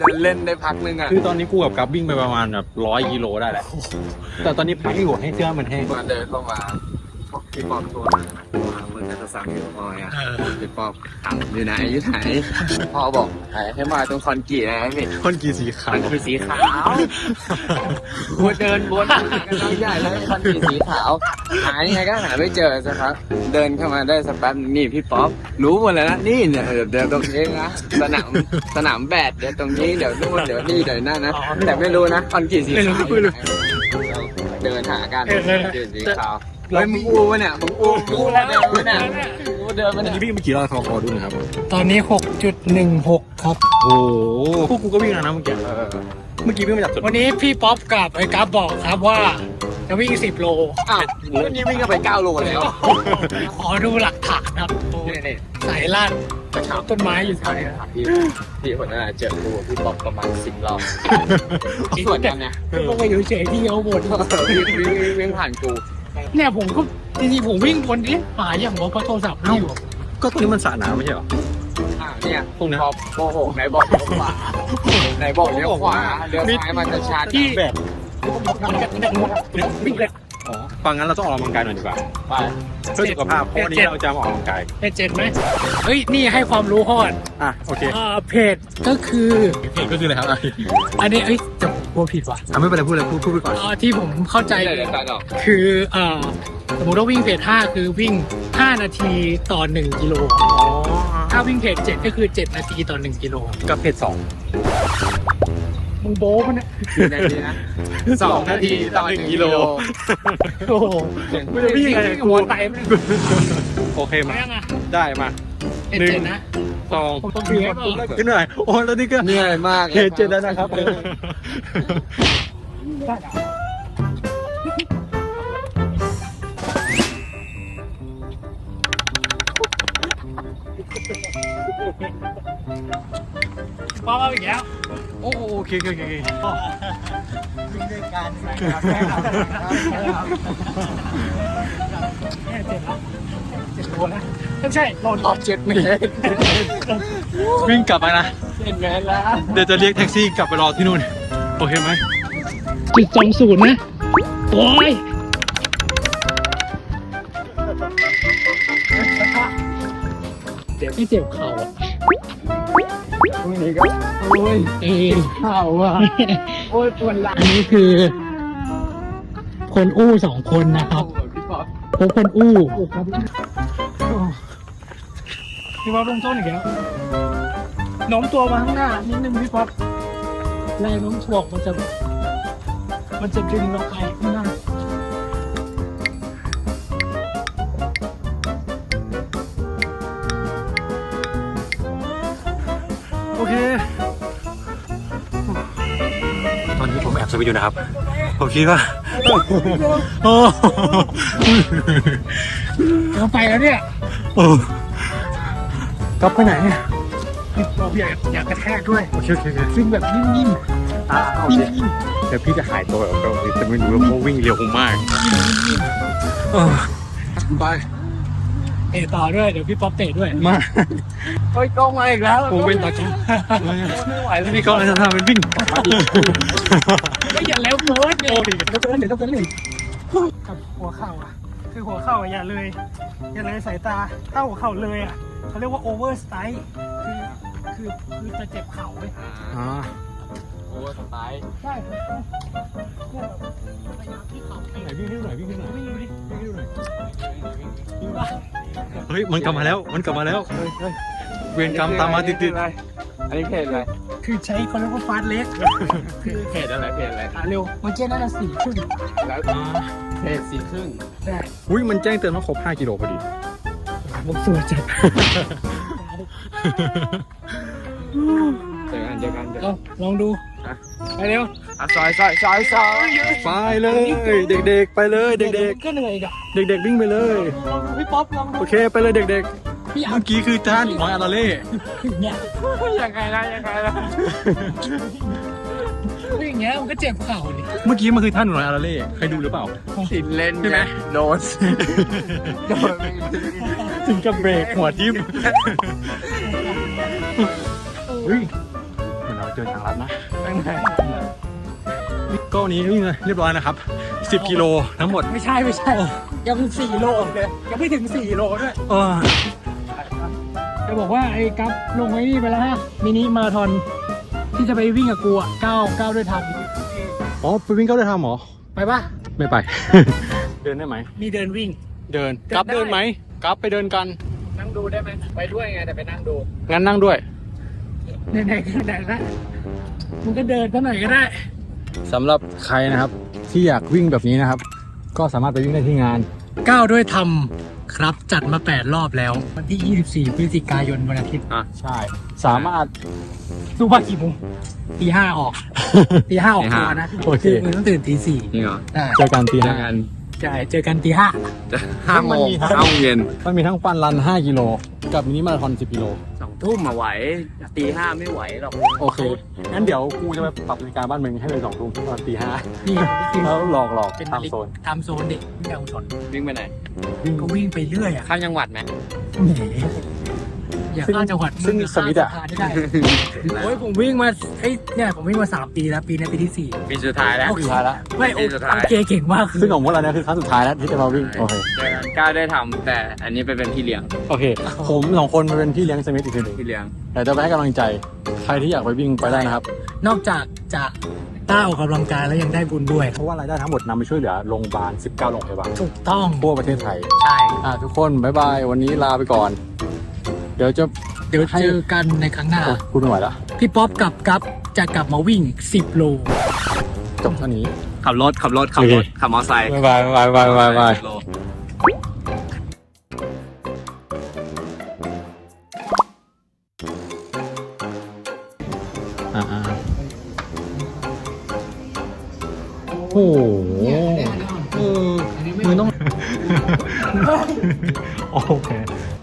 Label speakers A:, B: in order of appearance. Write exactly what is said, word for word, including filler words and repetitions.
A: เดินเล่นได้พักนึงอ่ะ
B: คือตอนนี้กูกับกับวิ่งไปประมาณแบบร้อยกิโลได้แหละแต่ตอนนี้พักอยู่ให้เสื้อมันแห้ง
A: มาเดินเข้ามาพี่ปอบตัวมึงจะสั่งอยู่พอไงพี่ปอบถามอยู่ไหนอยู่ไหนพ่อบอกให้มาตรงคอนกรีตนะพี่
B: คนกี่สีขา
A: คอ
B: วน
A: กรีตสีขาวกูเดินวนกันน้องใหญ่แล้วคอนกรีตสีขาวหายังไงก็หาไม่เจอสักครับเดินเข้ามาได้สักแป๊บนี่พี่ป๊อปรู้หมดแล้วนะนี่เนี่ยเดี๋ยวตรงนี้นะสนามสนามแบดเดี๋ยวตรงนี้เดี๋ยวนู่นเดี๋ยวนี่เดี๋ยวนั่นนะแต่ไม่รู้นะคอนกรีตสีขาวเดินหากันคอนกรีตสีขาวเฮ้ยมึงอู้วะเนี่ยมึงอู้อู้แล้วเดินมาเนี่ยอู้เดินมา
B: อัน
A: เนี่ย
B: นี้วิ่งไปกี่รอบคอคอดูหนะครับ
C: ตอนนี้ หกจุดหนึ่งหก ครับ
B: โอ้โหพวกกูก็วิ่งแล้วนะเมื่อกี้เมื่อกี้วิ่งมาจากสุด
C: วันนี้พี่ป๊อปกับไอ้กัฟบอกครับว่าจะวิ่งสิบโล
A: อ้าววันนี้วิ่งกันไปเก้าโลแล้ว
C: ขอดูหลักฐานครับ
A: นี่นี่
C: สายลาดกระถางต้นไม้อยู่แถวนี้ครับ
A: พี่พี่คนนั้นเจอกูพี่ป๊อปประมาณสิบรอบส่วนกันเนี่ย
C: ลงไปอยู่เฉยที่เขาบ่น
A: วิ่งวิ่งวิ่งผ่านกู
C: เนี่ยผมก็จริงๆผมวิ่งบนนี้หาอย่างว่าเพราะโทรศัพท์ไม่อยู่
B: ก็ตรงนี้มันสระน้ำไม่ใช่เหรอ
A: อ่าเนี่ย
B: ตรงนี้
A: พอโกหกไหนบอกเลี้ยวขวาไหนบอกเลี้ยวขวาเลี้ยวซ้ายมันจะชาร์จ
C: ที่
B: แบบ
C: วิ่งเลย
B: อ๋อฟังงั้นเราต้องออกกำลังกายหน่อยดีกว่า
A: ไป
B: เพื่อสุขภาพเพราะวันนี้เราจะมาออกกำลังกาย
C: เพจเจ็ดไหมเฮ้ยนี่ให้ความรู้ฮอด
B: อ่ะโอเค
C: อ่าเพจก็คือ
B: เพจก็คืออะไรครับ
C: อันนี้เอ้ยจะพูดผิดว่ะ
B: อ่ะไม่เป็นไรพูดเลยพูดพูดไปก่อน
C: อ่าที่ผมเข้าใจ
A: เดี๋ยวเดี๋ยวตัดออก
C: คือเอ่อสมมติว่าวิ่งเพจห้าคือวิ่งห้านาทีต่อหนึ่งกิโล
B: อ๋อ
C: ถ้าวิ่งเพจเจ็ดก็คือเจ็ดนาทีต่อหนึ่งกิโล
B: กับเพจสอง
C: มึงโบ้มันเนี่ย
A: กี่นาทีนะสองนาทีต่อหนึ่งกิโล
C: โอ้โห
B: ไม่ได้วิ่งไง
C: หัวไตมัน
B: โอเคมา
C: ยังอ่ะ
B: ได้มา
C: เพจเจ็ดนะ
B: สอง
C: ผมต้องเสียก่อน
B: ขึ้นหน่อยโอ้แล้วนี่ก็
A: เหนื่อยมาก
B: เพจเจ็ดแล้วนะครับ
C: พอเอาอีกแล้ว
B: โอ้โอเคโอเคโอเค
C: วิ่งด้วยกันเนี่ยเจ็ดแล้วเจ็ดโลนะไม่ใช่โล
A: ออกเจ็ดเมตร
B: วิ่งกลับมานะ
A: เจ็ดเมตรแล้ว
B: เดี๋ยวจะเรียกแท็กซี่กลับไปรอที่นู่นโอเคไหม
C: จุดสองศูนย์นะโอ้ยเจ็บไม่เจ็บเข่าอ่ะ
A: พรุ่งนี้ก็โอ้ย
C: เออ
A: เข่าอ่ะโอ้ยปวดหลัง
C: อันนี้คือ คนอู้สองคนนะครับ
A: พี่ป๊อป
C: พบคนอู้พี่ป๊อปลงต้นอีกแล้วโน้มตัวมาข้างหน้านิดนึงพี่ป๊อปแรงโน้มถ่วงมันจะ มันจะดึงเราไปข้างหน้า
B: โอเคตอนนี้ผมแอบสวิตอยู่นะครับผมคิดว่าโอ้
C: เราไปแล้วเนี่ย
B: โอ้กลับไปไหนเนี่ย
C: พี่ป๊อปอยากอยากกระแทกด้วย
B: โอเคโอเคโอเค
C: ซึ่งแบบนิ่ม
B: อ่าโอ
C: ๆ
B: เค
C: นิ่ม
B: เดี๋ยวพี่จะหายตัวแบบเราแต่ไม่รู้ว่าเขาวิ่งเร็วมากเออไป
C: ๆเตะต่อด้วยเดี๋ยวพี่ป๊อปเตะด้วย
B: มา
A: โอ้ยกล้องมาอีกแล้ว
B: ผมเป็นตาจ้า
A: ไม่ไหวแล้ว
B: นี่ก็อะไรจะทำเป็นวิ่ง
C: ไม่อย่าเร็วเกินเดี๋ยวเดี๋ยวเดี๋ยวต้องเล่นกับหัวเข่าอ่ะคือหัวเข่าอย่าเลยอย่าเลยสายตาถ้าหัวเข่าเลยอ่ะเขาเรียกว่าโอเวอร์สไตล์คือคือคือจะเจ็บเข่าเว้ย
B: อ่า
A: โอ้ยสไตล์
C: ใช่ครับเนี่ยแบบพยายามที่เข่าให้
B: ไหนวิ่งให้ดูหน่อยวิ่งให้ดูหน่อย
C: ไม่อยู่ดิ
B: วิ่งให้ดูหน่อย
C: อยู่ป่ะ
B: เฮ้ยมันกลับมาแล้วมันกลับมาแล้วเวรกรรมตามมาติดติด
A: อันนี้เพจอะไร
C: คือใช้เขาเรียกว่าฟาสต์เล็กคือ
A: เพจอะไรเพจอะไร
C: หาเร็วเมื่อกี้นั่นน่ะสี่ครึ่ง
A: แล้วเพจสี่ครึ่ง
C: ได้
B: อุ้ยมันแจ้งเตือนว่าครบห้ากิโลพอดี
C: ผมสวยจัด
A: เจอกันเจอกันเจอกัน
C: เอาลองดูไปเร็ว
A: อ่ะซอยซอยซอยซอย
B: ไปเลยเด็กๆไปเลยเด็ก
C: ก็เหนื่อยกับ
B: ๆเด็กๆวิ่งไปเลย
C: ลองดูพี่ป๊อปลองดู
B: โอเคไปเลยเด็ก
C: พี่
B: ๆ
C: อ่ะ
B: เมื่อกี้คือจ้านน้อยอาราเล่
C: เนี่ย
A: ยังไงนะยังไงนะ
C: วิ่งอย่างเงี้ยมันก็เจ็บเข่าดิ
B: เมื่อกี้มันคือท่านน้อยอาราเล่เคยดูหรือเปล่า
A: สินเล่น
B: ใช่ไหม
A: โดนโดน
B: ถึงกับเบรกหัวทิ่มเฮ้ยมันเอาเจอดินทางลัดนะ
C: ไปไหน
B: ก็วันนี้วิ่งเรียบร้อยนะครับสิบกิโลทั้งหมด
C: ไม่ใช่ไม่ใช่ ยังสี่โลเลยยังไม่ถึงสี่โลด้วย
B: เออ
C: จะบอกว่าไอ้กัฟลงไว้นี่ไปแล้วฮะมินิมาราธอนที่จะไปวิ่งกับกูอ่ะก้าวก้าวด้วยทัน
B: อ๋อไปวิ่งก็ได้ทำหรอ
C: ไปปะ
B: ไม่ไป เดินได้ไหม
C: มีเดินวิ่ง
B: เดิน
C: เดิน
B: กลับ
C: ได้
B: เดินไหมกลับไปเดินกัน
C: นั่งดูได้ไหมไปด้วยไงแต่ไปนั่งดู
B: งั้นนั่งด้วย
C: ไหนๆไหนๆละมึงก็เดินเท่าไหร่ก็ได้
B: สำหรับใครนะครับ ที่อยากวิ่งแบบนี้นะครับ ก็สามารถไปวิ่งได้ที่งาน
C: ก้าวด้วยทำครับจัดมาแปดรอบแล้ว วันที่ยี่สิบสี่พฤศจิกายนวันอาทิตย์
B: อ่ะใช่ สามารถ
C: สู้บ้ากี่โมงตีห้าออกตีห้าออก
A: ตี
C: ตั
A: ห้า
C: วนะ
B: โอเค
C: มึงต้องตื่นตีสี่
A: จริงเหรอ
C: ได้
B: เจอกันตี
A: เจ
B: ห้า
A: อกัน
C: ใช่เจอกันตีห้า
A: จะห้าโมง
B: มันมีทั้ง
A: ห้าโมงเย็น
B: มันมีทั้งฟันรันห้ากิโลกับมินิมาราธอนสิบกิโล
A: สองทุ่มมาไหวตีห้าไม่ไหวหรอก
B: โอเค งั้นเดี๋ยวกูจะไปปรับนาฬิกาบ้านมึงให้เป็นสองทุ่มตอนตีห้า
C: นี่จริง
B: แล้วหลอกหลอก
C: เป็น
B: ตามโซน
C: ทำโซนเด็กไม่เอาชน
A: วิ่งไปไหน
C: ก็วิ่งไปเรื่อยอ่ะ
A: ข้ามจังหวัดไหม
C: แหมอย่าข้ามจังหวัด
B: ซึ่งสมิธอะ
C: ข้ามสะพานได้โอ้ยผมวิ่งมาเอ้ยเนี่ยผมวิ่งมาสามปีแล้วปีนี้ปีที่สี่
A: ปีสุดท้ายแล้ว
C: โอเค
B: สุดท้ายแล้ว
C: ไม่โอ
A: ปีสุดท้าย
C: โอเคเก่งมากคือ
B: ซึ่งของพวกเราเนี่ยคือครั้งสุดท้ายแล้วที่จะมาวิ่ง โอเค
A: เจอกันก้าวได้ทำแต่อันนี้ไปเป็นพี่เลี้ยง
B: โอเค ผมสองคนมาเป็นพี่เลี้ยงสมิธอีกทีหนึ่ง
A: พี่เลี้ยง
B: แต่จะไปให้กำลังใจ ใครที่อยากไปวิ่งไปได้นะครับ
C: นอกจากจะต้าออกกำลังกายแล้วยังได้บุญด้วย
B: เพราะว่ารายได้ทั้งหมดนำไปช่วยเหลือโรงพยาบาลสิบเก้าโรงพยาบาล
C: ถูกต้อง
B: ทั่วประเทศไทย
C: ใช่
B: อ่ะทุกคนบ๊ายบาย วันนี้ลาไปก่อน เดี๋ยวจะ
C: เดี๋ยวเจอกันในครั้งหน้า
B: โอ้คุณไม่ไหวแล้ว
C: พี่ป๊อปกับกัฟจะกลับมาวิ่งสิบโล
B: จบเท่านี้
A: ขับรถขับรถขับรถขับมอเตอร์ไซค์
B: บ๊ายบายบ๊ายบายบ๊ายบาย
A: โล
B: อ่าโอ้โหเออมือต้อง โอเค